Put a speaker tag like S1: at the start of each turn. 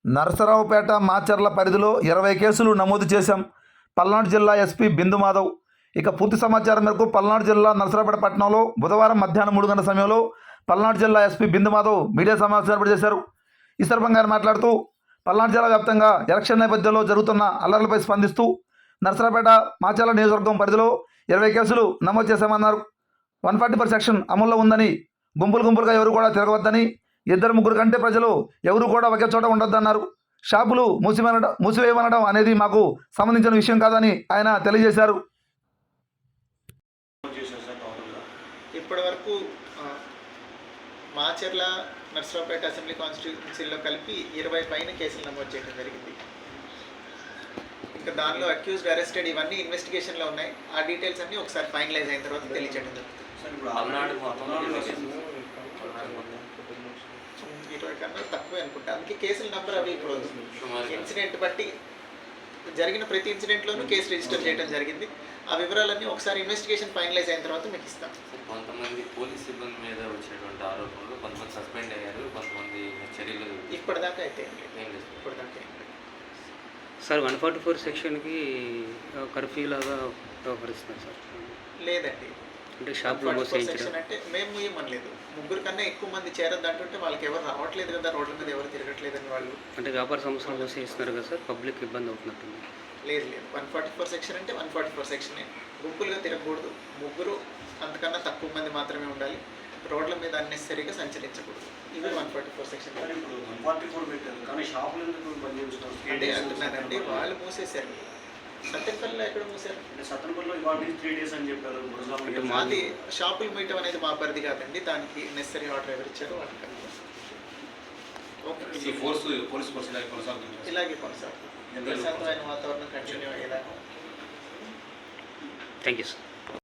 S1: నరసరావుపేట మాచర్ల పరిధిలో 20 కేసులు నమోదు చేశాం. పల్నాడు జిల్లా ఎస్పీ బిందు మాధవ్. ఇక పూర్తి సమాచారం మేరకు పల్నాడు జిల్లా నరసరావుపేట పట్టణంలో బుధవారం మధ్యాహ్నం 3 గంటల సమయంలో పల్నాడు జిల్లా ఎస్పీ బిందు మాధవ్ మీడియా సమావేశం ఏర్పాటు చేశారు. ఈ సందర్భంగా ఆయన మాట్లాడుతూ పల్నాడు జిల్లా వ్యాప్తంగా ఎలక్షన్ నేపథ్యంలో జరుగుతున్న అల్లర్లపై స్పందిస్తూ నరసరావుపేట మాచర్ల నియోజకవర్గం పరిధిలో 20 కేసులు నమోదు చేశామన్నారు. 144 సెక్షన్ అమల్లో ఉందని, గుంపులుగా ఎవరు కూడా తిరగవద్దని, 2-3 కంటే ప్రజలు ఎవరు కూడా ఒకే చోట ఉండొద్దన్నారు. షాపులు మూసివేయమనడం అనేది మాకు సంబంధించిన విషయం కాదని ఆయన తెలియజేశారు.
S2: ఇప్పటి వరకు మాచర్ల నర్సరావుపేట అసెంబ్లీ కాన్స్టిట్యూన్సీలో కలిపి 20 పైన కేసులు నమోదు చేయడం జరిగింది. ఇంకా దానిలో అక్యూజ్డ్, అరెస్టెడ్ ఇవన్నీ ఇన్వెస్టిగేషన్లో ఉన్నాయి. ఆ డీటెయిల్స్ అన్నీ ఒకసారి ఫైనలైజ్ అయిన తర్వాత తెలియజేయడం జరుగుతుంది. 20 కన్నా తక్కువే అనుకుంటా. అందుకే కేసుల నెంబర్ అవి ఇప్పుడు ఇన్సిడెంట్ బట్టి జరిగిన ప్రతి ఇన్సిడెంట్లోనూ కేసు రిజిస్టర్ చేయడం జరిగింది. ఆ వివరాలన్నీ ఒకసారి ఇన్వెస్టిగేషన్ ఫైనలైజ్ అయిన తర్వాత మీకు ఇస్తాం.
S3: కొంతమంది పోలీస్ సిబ్బంది మీద వచ్చేటువంటి ఆరోపణలు, కొంతమంది సస్పెండ్ అయ్యారు, కొంతమంది చర్యలు
S2: ఇప్పటిదాకా అయితే ఇప్పటిదాకా
S4: సార్ 144 సెక్షన్కి కర్ఫ్యూ లాగా వ్యవహరిస్తున్నారు సార్.
S2: లేదండి,
S4: అంటే షాప్లో
S2: సెక్షన్ అంటే మేము ఏమనలేదు. 3 కన్నా ఎక్కువ మంది చేరద్దు అంటుంటే వాళ్ళకి ఎవరు రావట్లేదు కదా, రోడ్ల మీద ఎవరు తిరగట్లేదని వాళ్ళు
S4: అంటే వ్యాపార సంస్థలు మూసేస్తున్నారు కదా సార్, పబ్లిక్ ఇబ్బంది అవుతున్నట్టుంది.
S2: లేదు 144 సెక్షన్ అంటే 144 సెక్షనే. గుంపులుగా తిరగకూడదు, 3 అంతకన్నా తక్కువ మంది మాత్రమే ఉండాలి, రోడ్ల మీద అన్నెసరీగా సంచరించకూడదు. ఇవి 144 సెక్షన్. అంటే అంటున్నానండి, వాళ్ళు మూసేశారు. సత్యపల్లిలో ఎక్కడ మూసారు? అది షాపులు మీయటం అనేది మా పరిధి కాదండి. దానికి నెసరీ ఆర్డర్ ఎవరు ఇచ్చారో వాళ్ళకి ఇలాగే కొనసాగుతుంది. ప్రశాంతమైన వాతావరణం కంటిన్యూ అయ్యేలాగా.
S4: Thank you sir.